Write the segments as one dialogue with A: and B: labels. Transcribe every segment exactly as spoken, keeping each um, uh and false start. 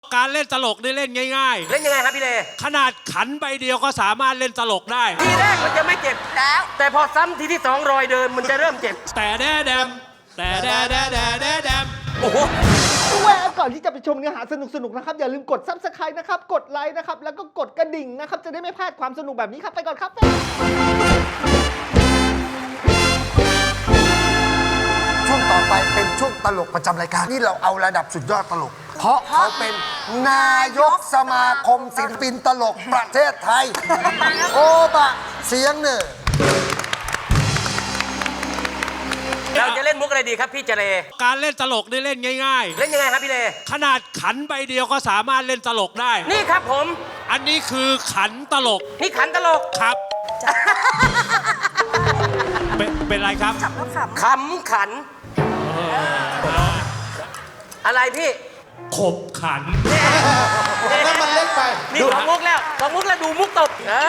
A: การเล่นตลกนี่เล่นง่าย
B: เล่นยังไงครับพี่เล
A: ๆขนาดขันใบเดียวก็สามารถเล่นตลกได้
B: ทีแรกมันจะไม่เจ็บแล้วแต่พอซ้ำทีที่สองรอยเดิมมันจะเริ่มเจ็บ
A: แต่แดแดมแต่แดแดแดแดแดม
B: โอ้โห
C: แวะก่อนที่จะไปชมเนื้อหาสนุกๆนะครับอย่าลืมกด ซับสไครบ์ นะครับกดไลค์นะครับแล้วก็กดกระดิ่งนะครับจะได้ไม่พลาดความสนุกแบบนี้ครับไปก่อนครับ
D: ช่วงต่อไปเป็นช่วงตลกประจำรายการนี่เราเอาระดับสุดยอดตลก เพราะเขาเป็นนายกสมาคมศิลปินตลกประเทศไทย โอบะเสียงเหนือ
B: เราจะเล่นมุกอะไรดีครับพี่เจเล
A: การเล่นตลกนี่เล่นง่ายๆ
B: เล่นยังไงครับพี่เล
A: ขนาดขันใบเดียวก็สามารถเล่นตลกได้
B: นี่ครับผม
A: อันนี้คือขันตลก
B: นี่ขันตลก
A: ครับเป็นเป็นไรครับ
B: ขำขันอะไรพี่
A: ขบขัน
E: แล้วมันเล็กไป
B: นี่ของมุกแล้วของมุกแล้วดูมุกตบ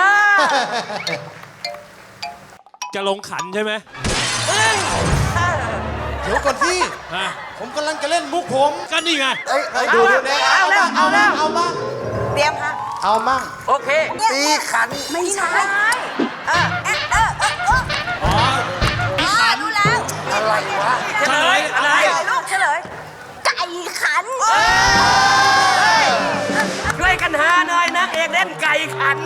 A: จะลงขันใช่ไหม
E: เดี๋ยวก่อนที่ผมกำลังจะเล่นมุกผม
A: ก็นี่ไง
E: เอ้ยดูดู
B: เอาแล้วเอาแล้ว
E: เอาบ้าง
F: เตรียมฮะ
E: เอามั่ง
B: โอเค
D: ตีขัน
F: ไม่ใช่เออเออเออเออ
A: อ๋อตีขัน
F: รู้แล้ว
D: อะไรวะ
B: เฉลยอะไร
F: ลูกเฉลยไก่ขัน
B: ช่วยกันหาหน่อยนะเอกเล่นไก่ขัน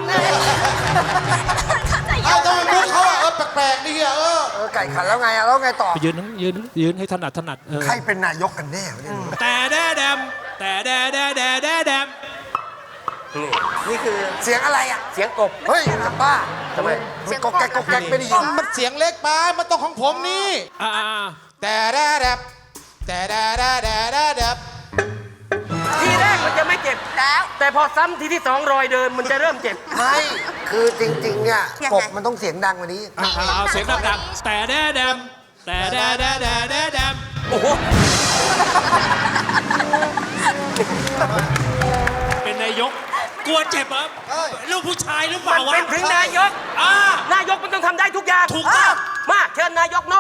E: เอาทำไมมุกเขาเออแปลกๆดีอ่ะเออ
D: เออไก่ขันแล้วไงอะแล้วไงต่อ
A: ยืนยืนยืนให้ถนัดถนัด
D: ใครเป็นนายกกันแน่เนี่ย
A: แต่แดแดมแต่แดแดแดแดแดม
B: นี่คือ
D: เสียงอะไรอ่ะ
B: เสียงกบ
D: เฮ้ยจะบ้าทำไมมันก็แก๊กก็แก๊กไม่ได้ยิน
E: มันเสียงเล็กไปมันต้องของผมนี่
A: อ่า
E: แต่แดแดบแต่แดแดแดแดแดบ
B: ทีแรกมันจะไม่เจ็บแล้วแต่พอซ้ำทีที่สองรอยเดิมมันจะเริ่มเจ็บ
D: ไม่คือจริงๆเนี่ยกบมันต้องเสียงดังกว่านี้
A: เอาเสียงดังๆแต่แดแดมแต่แดแดแดแดแดม
B: โอ้โห
A: เป็นนายกกลัวเจ็บเหรอลูกผู้ชายหรือเปล่าวะ
B: เป็นถึงนายกนายกมันต้องทำได้ทุกอย่าง
A: ถูกต้อง
B: มาเชิญนายกนก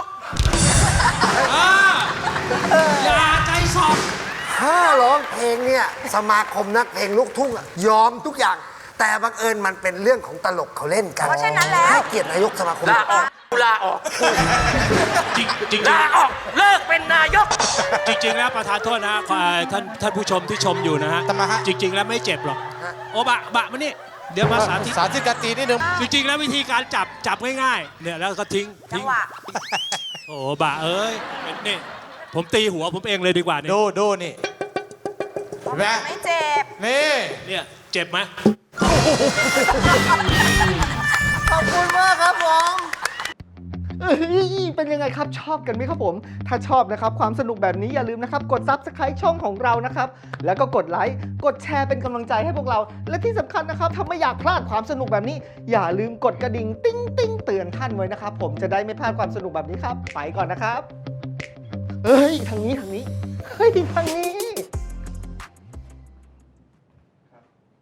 A: อย่าใจสอบ
D: ถ้าร้องเพลงเนี่ยสมาคมนักเพลงลูกทุ่งยอมทุกอย่างแต่บังเอิญมันเป็นเรื่องของตลกเขาเล่นกัน
F: เพราะฉะนั้นแล้ว
D: ให้เกียรตินายกสมาคม
B: ลาออกลาออก
A: จริงจริง
B: ลาออกเลิกเป็นนายก
A: จริงๆแล้วประธานโทษนะท่านท่านผู้ชมที่ชมอยู่นะฮะจริงๆแล้วไม่เจ็บหรอกโอบะบะมานี่เดี๋ยวมาสาธิต
E: สาธิตการตีนิดนึง
A: จริงๆแล้ววิธีการจับจับง่ายๆเนี่ยแล้วก็ทิ้งทิ้งโอ้บะเอ้ยเป็นนี่ผมตีหัวผมเองเลยดีกว่านี่
E: ดูดูนี่
F: ไม่เจ็บ
E: นี่
A: เนี่ยเจ็บไหม
C: ขอบคุณมากครับผมเป็นยังไงครับชอบกันไหมครับผมถ้าชอบนะครับความสนุกแบบนี้อย่าลืมนะครับกด ซับสไครบ์ ช่องของเรานะครับแล้วก็กดไลค์กดแชร์เป็นกำลังใจให้พวกเราและที่สำคัญนะครับถ้าไม่อยากพลาดความสนุกแบบนี้อย่าลืมกดกระดิ่งติ้งติ้งเตือนท่านไว้นะครับผมจะได้ไม่พลาดความสนุกแบบนี้ครับไปก่อนนะครับเฮ้ยทางนี้ทางนี้เฮ้ยทางนี้